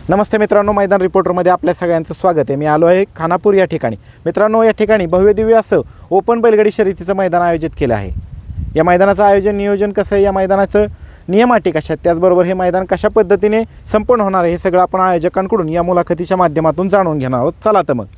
नमस्ते मित्रांनो, मैदान रिपोर्टरमध्ये आपल्या सगळ्यांचं स्वागत आहे. मी आलो आहे खानापूर या ठिकाणी. मित्रांनो, या ठिकाणी भव्य दिव्य असं ओपन बैलगाडी शर्यतीचं मैदान आयोजित केलं आहे. या मैदानाचं आयोजन नियोजन कसं आहे, या मैदानाचं नियम अटी कशा आहेत, त्याचबरोबर हे मैदान कशा पद्धतीने संपन्न होणार आहे, हे सगळं आपण आयोजकांकडून या मुलाखतीच्या माध्यमातून जाणून घेणार आहोत. चला तर मग.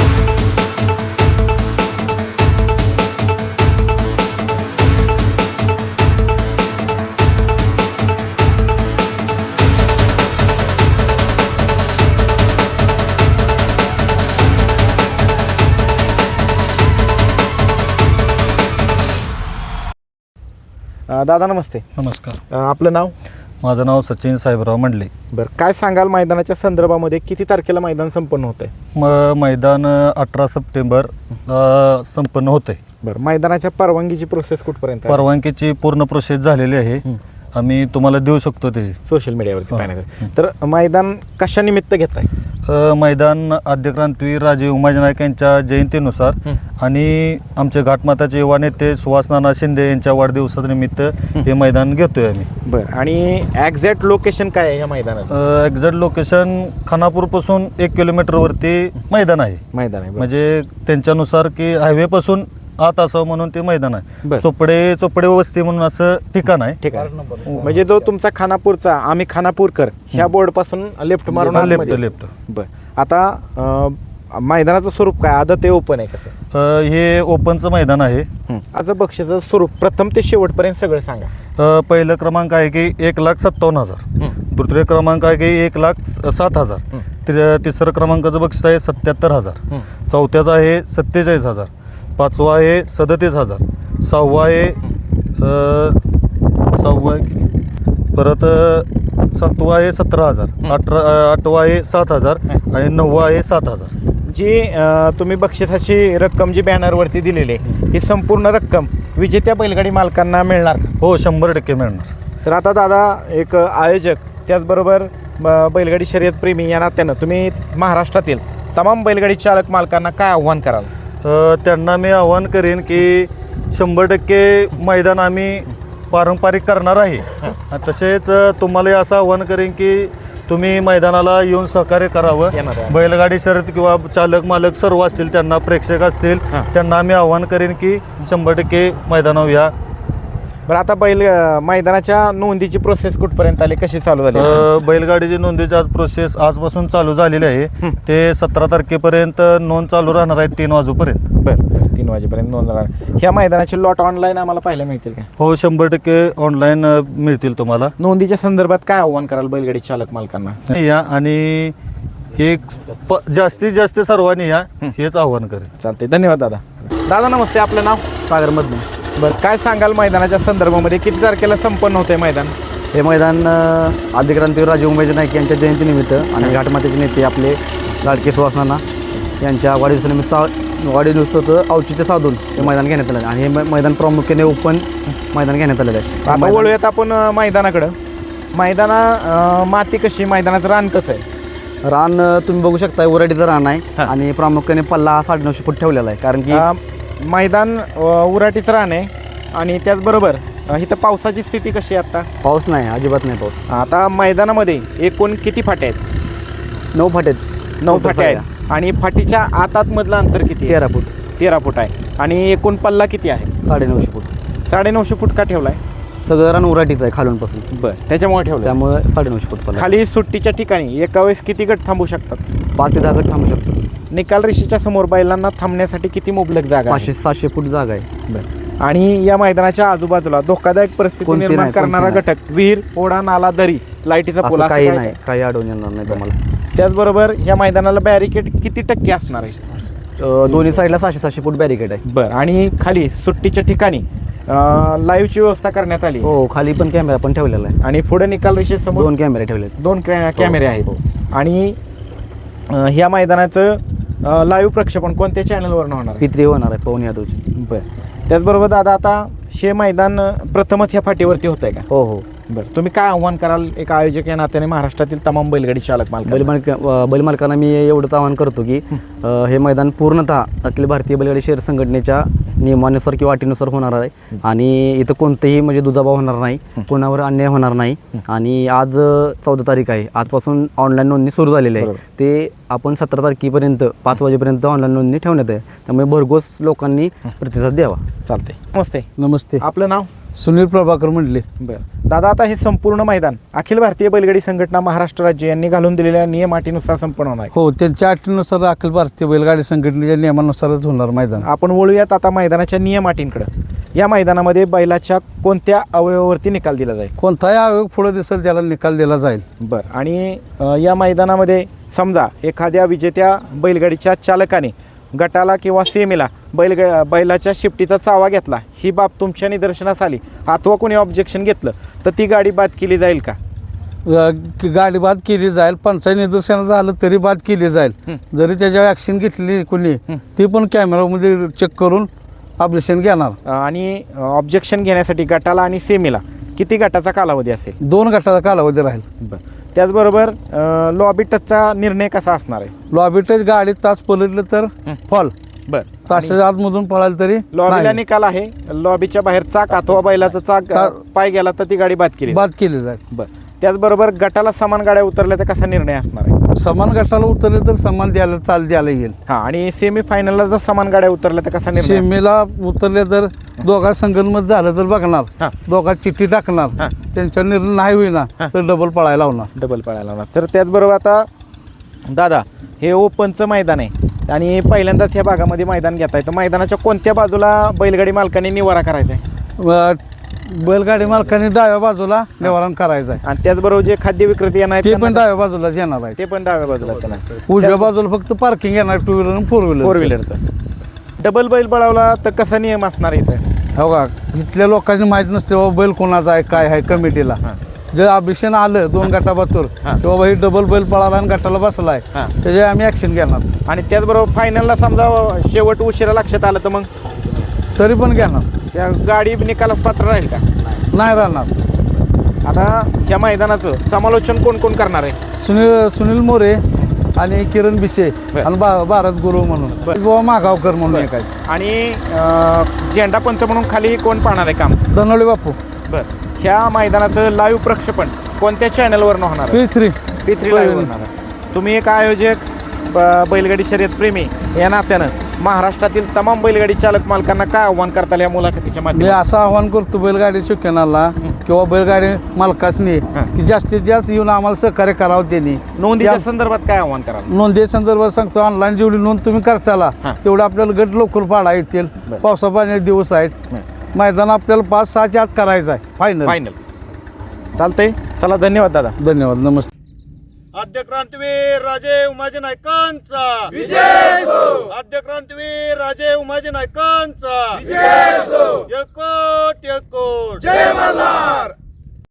दादा नमस्ते. नमस्कार. आपलं नाव? माझं नाव सचिन साहेबराव मंडले. बरं, काय सांगाल मैदानाच्या संदर्भामध्ये, किती तारखेला मैदान संपन्न होत आहे? मैदान 18 सप्टेंबर संपन्न होते. बरं, मैदानाच्या परवानगीची प्रोसेस कुठपर्यंत? परवानगीची पूर्ण प्रोसेस झालेली आहे. आम्ही तुम्हाला देऊ शकतो ते सोशल मीडियावरती पाहण्यासाठी. तर मैदान कशा निमित्त घेत आहे? मैदान आद्यक्रांतीवीर राजे उमाजी नाईक यांच्या जयंतीनुसार आणि आमचे घाटमाताचे युवा नेते सुहास नाना शिंदे यांच्या वाढदिवसानिमित्त हे मैदान घेतोय आम्ही. बरं, आणि ॲक्झॅक्ट लोकेशन काय आहे या मैदानाचं? एक्झॅक्ट लोकेशन खानापूरपासून 1 किलोमीटरवरती मैदान आहे. मैदान आहे म्हणजे त्यांच्यानुसार की हायवेपासून आत असावं म्हणून ते मैदान आहे. चोपडे वस्ती म्हणून असं ठिकाण आहे. ठीक आहे. म्हणजे तो तुमचा खानापूरचा आम्ही खानापूरकर ह्या बोर्ड पासून लेफ्ट मारून लेफ्ट. बरं, आता मैदानाचं स्वरूप काय, आदत ते ओपन आहे कसं? हे ओपनचं मैदान आहे. आज बक्षीचं स्वरूप प्रथम ते शेवटपर्यंत सगळं सांगा. पहिलं क्रमांक आहे की 1,57,000. दुसरे क्रमांक आहे की 1,07,000. तिसरं क्रमांकाचं बक्षीस आहे 77,000. चौथ्याचं आहे 47,000. पाचवा आहे 37,000. सहावा आहे परत सातवा आहे 17,000. आठवा आहे 7,000 आणि नववा आहे 7,000. जी तुम्ही बक्षिसाची रक्कम जी बॅनरवरती दिलेली आहे ती संपूर्ण रक्कम विजेत्या बैलगाडी मालकांना मिळणार? हो, 100% मिळणार. तर आता दादा, एक आयोजक त्याचबरोबर बैलगाडी शर्यत प्रेमी या नात्यानं तुम्ही महाराष्ट्रातील तमाम बैलगाडी चालक मालकांना काय आव्हान कराल? त्यांना मी आवाहन करेन की 100% मैदान आम्ही पारंपरिक करणार आहे. तसेच तुम्हाला असं आवाहन करेन की तुम्ही मैदानाला येऊन सहकार्य करावं. बैलगाडी शर्यत किंवा चालक मालक सर्व असतील, त्यांना प्रेक्षक असतील, त्यांना आम्ही आवाहन करेन की 100% मैदानावर या. बरं, आता मैदानाच्या नोंदीची प्रोसेस कुठपर्यंत आली, कशी चालू झाली? बैलगाडीची नोंदीची आज प्रोसेस आजपासून चालू झालेली आहे. ते 17 तारखेपर्यंत नोंद चालू राहणार आहे 3 वाजेपर्यंत. बरं, 3 वाजेपर्यंत नोंद राहणार. ह्या मैदानाचे लॉट ऑनलाईन आम्हाला पाहायला मिळतील का? हो, 100% ऑनलाईन मिळतील तुम्हाला. नोंदीच्या संदर्भात काय आव्हान कराल बैलगाडी चालक मालकांना? या आणि जास्तीत जास्त सर्वांनी या, हेच आव्हान करेन. चालते, धन्यवाद दादा. दादा नमस्ते, आपलं नाव? सागर मधने. बरं, काय सांगाल मैदानाच्या संदर्भामध्ये, किती तारखेला संपन्न होतंय मैदान? हे मैदान आद्यक्रांतीवीर राजे उमाजी नाईक यांच्या जयंतीनिमित्त आणि घाटमातेचे नेते आपले लाडके सुहास नाना यांच्या वाढदिवसाचं औचित्य साधून हे मैदान घेण्यात आलं आहे. आणि हे मैदान प्रामुख्याने ओपन मैदान घेण्यात आलेलं आहे. आता वळूयात आपण मैदानाकडं. माती कशी, मैदानाचं रान कसं आहे? रान तुम्ही बघू शकता, उराटीचं रान आहे आणि प्रामुख्याने पल्ला हा 950 फूट ठेवलेला आहे. कारण की मैदान उराटीचं रान आहे आणि त्याचबरोबर इथं पावसाची स्थिती कशी आहे आता? पाऊस नाही, अजिबात नाही पाऊस. आता मैदानामध्ये एकूण किती फाटे आहेत? 9 फाटे आहेत. 9 फाटे आहेत. आणि फाटीच्या आतमधलं अंतर किती? 13 फूट. 13 फूट आहे. आणि एकूण पल्ला किती आहे? 950 फूट. 950 फूट का ठेवला आहे? सगळं रान उराटीचं आहे खालूनपासून. बरं, त्याच्यामुळे ठेवलं. त्यामुळे 950 फूट पल्ला. खाली सुट्टीच्या ठिकाणी एका वेळेस किती गट थांबू शकतात? 5 ते 10 गट थांबू शकतो. निकाल रेषेच्या समोर बैलांना थांबण्यासाठी किती मुबलक जागा? 500-700 फूट जागा आहे. बरं, आणि या मैदानाच्या आजूबाजूला धोकादायक परिस्थिती कोणती निर्माण नाही, करणारा कोणती घटक, विहीर, ओढा, नाला, दरी, लाईटीचा पोल असं असं काही काय? नाही, काही अडवून येणार नाही तुम्हाला. त्याचबरोबर या मैदानाला बॅरिकेड किती टक्के असणार आहे? दोन्ही साईडला 600-700 फूट बॅरिकेड आहे. बरं, आणि खाली सुट्टीच्या ठिकाणी लाईव्हची व्यवस्था करण्यात आली? हो, खाली पण कॅमेरा पण ठेवलेला आहे. आणि पुढे निकाल रेषेसमोर 2 कॅमेरे ठेवले आहेत. 2 कॅमेरे आहेत. आणि ह्या मैदानाचं लाईव्ह प्रक्षेपण कोणत्या चॅनलवर होणार? P3 होणार आहे, पवन यादवची. बरं, त्याचबरोबर दादा, आता हे मैदान प्रथमच ह्या फाटीवरती होत आहे का? हो हो. बरं, तुम्ही काय आव्हान कराल एक आयोजक या नात्याने महाराष्ट्रातील तमाम बैलगाडी चालक मालक? बैलमालकांना मी एवढंच आवाहन करतो की हे मैदान पूर्णतः अखिल भारतीय बैलगाडी शहर संघटनेच्या नियमानुसार किंवा अटीनुसार होणार आहे आणि इथं कोणतेही म्हणजे दुजाभाव होणार नाही, कोणावर अन्याय होणार नाही. आणि आज 14 तारीख आहे, आजपासून ऑनलाईन नोंदणी सुरू झालेली आहे. ते आपण 17 तारखेपर्यंत 5 वाजेपर्यंत ऑनलाईन नोंदणी ठेवण्यात आहे. त्यामुळे भरघोस लोकांनी प्रतिसाद द्यावा. चालते. नमस्ते. नमस्ते. आपलं नाव? सुनील प्रभाकर मंडले. बरं दादा, आता हे संपूर्ण मैदान अखिल भारतीय बैलगाडी संघटना महाराष्ट्र राज्य यांनी घालून दिलेल्या नियम अटीनुसार संपन्न होणार आहे. हो, त्यांच्या अटीनुसार अखिल भारतीय बैलगाडी संघटनेच्या नियमानुसारच होणार मैदान. आपण वळूयात आता मैदानाच्या नियम अटींकडे. या मैदानामध्ये बैलाच्या कोणत्या अवयवावरती निकाल दिला जाईल? कोणताही आयोग पुढे दिसेल त्याला निकाल दिला जाईल. बरं, आणि या मैदानामध्ये समजा एखाद्या विजेत्या बैलगाडीच्या चालकाने गटाला किंवा सेमीला बैलाच्या शिफ्टीचा चावा घेतला, ही बाब तुमच्या निदर्शनास आली अथवा कोणी ऑब्जेक्शन घेतलं तर ती गाडी बाद केली जाईल का? गाडी बाद केली जाईल. पंचायत निदर्शनाचं झालं तरी बाद केली जाईल. जरी त्याच्यावर ॲक्शन घेतली कोणी ती पण कॅमेरामध्ये चेक करून ऑब्जेक्शन घेणार. आणि ऑब्जेक्शन घेण्यासाठी गटाला आणि सेमीला किती गटाचा कालावधी असेल? 2 गटाचा कालावधी राहील. बरं, त्याचबरोबर लॉबी टचचा निर्णय कसा असणार आहे? लॉबी टच गाडी तास पलटलं तर फॉल, बरं, तासाच्या आतमधून पळाल तरी लॉबीला नाही. निकाल आहे, लॉबीच्या बाहेर चाक अथवा बैलाचा चाक पाय गेला तर ती गाडी बाद केली बाद केली जाईल. बरं, त्याचबरोबर गटाला समान गाड्या उतरल्या तर कसा निर्णय असणार आहे? समान गटाला उतरले तर समान द्यायला चाल द्यायला येईल. हां, आणि सेमी फायनलला जर समान गाड्या उतरल्या तर कसा निर्णय? सीमेला उतरले तर दोघा संगनमत झालं तर बघणार, हां. दोघा चिठ्ठी टाकणार, हां. त्यांचा निर्णय नाही होईना तर डबल पळायला लावणार. डबल पळायला लावणार. तर त्याचबरोबर आता दादा, हे ओपनचं मैदान आहे आणि पहिल्यांदाच ह्या भागामध्ये मैदान घेत आहे, तर मैदानाच्या कोणत्या बाजूला बैलगाडी मालकांनी निवारा करायचा आहे? बैलगाडी मालकाने डाव्या बाजूला निवारण करायचं आहे. आणि त्याचबरोबर जे खाद्य विक्रेते येणार आहेत ते पण त्यांना- डाव्या बाजूला येणार आहे. ते पण डाव्या बाजूला येणार. उजव्या बाजूला फक्त पार्किंग येणार 2 व्हीलर आणि 4 व्हीलर. 4 व्हीलरचं डबल बैल पळवला तर कसा नियम असणार आहे इथं? हो का, इथल्या लोकांनी माहीत नसते बाबा बैल कोणाचा आहे काय आहे कमिटीला. जर अभिषेक आलं 2 गटाबातूर की बाबा ही डबल बैल पळाला आणि गटाला बसलाय, हां. त्याचे आम्ही ॲक्शन घेणार. आणि त्याचबरोबर फायनलला समजा शेवट उशिरा लक्षात आलं तर मग तरी पण घेणार, त्या गाडी निकालास पात्र राहील का? नाही राहणार. आता ह्या मैदानाचं समालोचन कोण कोण करणार आहे? सुनील मोरे आणि किरण बिशे बरं. आणि भारत गुरु म्हणून बाबा मागावकर म्हणून एक आहे. आणि झेंडा पंच म्हणून खाली कोण पाहणार आहे काम? धनवडे बापू. बरं, ह्या मैदानाचं लाईव्ह प्रक्षेपण कोणत्या चॅनलवर होणार आहे? P3 लाईव्ह होणार आहे. तुम्ही एक आयोजक, बैलगाडी शर्यत प्रेमी या नात्यानं महाराष्ट्रातील तमाम बैलगाडी चालक मालकांना काय आव्हान करताल या मुलाखतीच्या मी माध्यमातून? असं आवाहन करतो बैलगाडी शिक्षणाला किंवा बैलगाडी मालकासनी की जास्तीत जास्त येऊन आम्हाला सहकार्य करावं. त्यांनी नोंदीच्या संदर्भात काय आव्हान कराल? नोंदी संदर्भात सांगतो, ऑनलाईन जेवढी नोंद तुम्ही करताला तेवढं आपल्याला गट लवकर पाडा येतील. पावसा पाण्याचे दिवस आहेत. मैदान आपल्याला 5-6च्या आत करायचं आहे फायनल. चालतंय. चला, धन्यवाद दादा. धन्यवाद. नमस्ते. आद्य क्रांतीवीर राजे उमाजी नायकांचा विजय असो. आद्य क्रांतीवीर राजे उमाजी नायकांचा विजय असो. येळकोट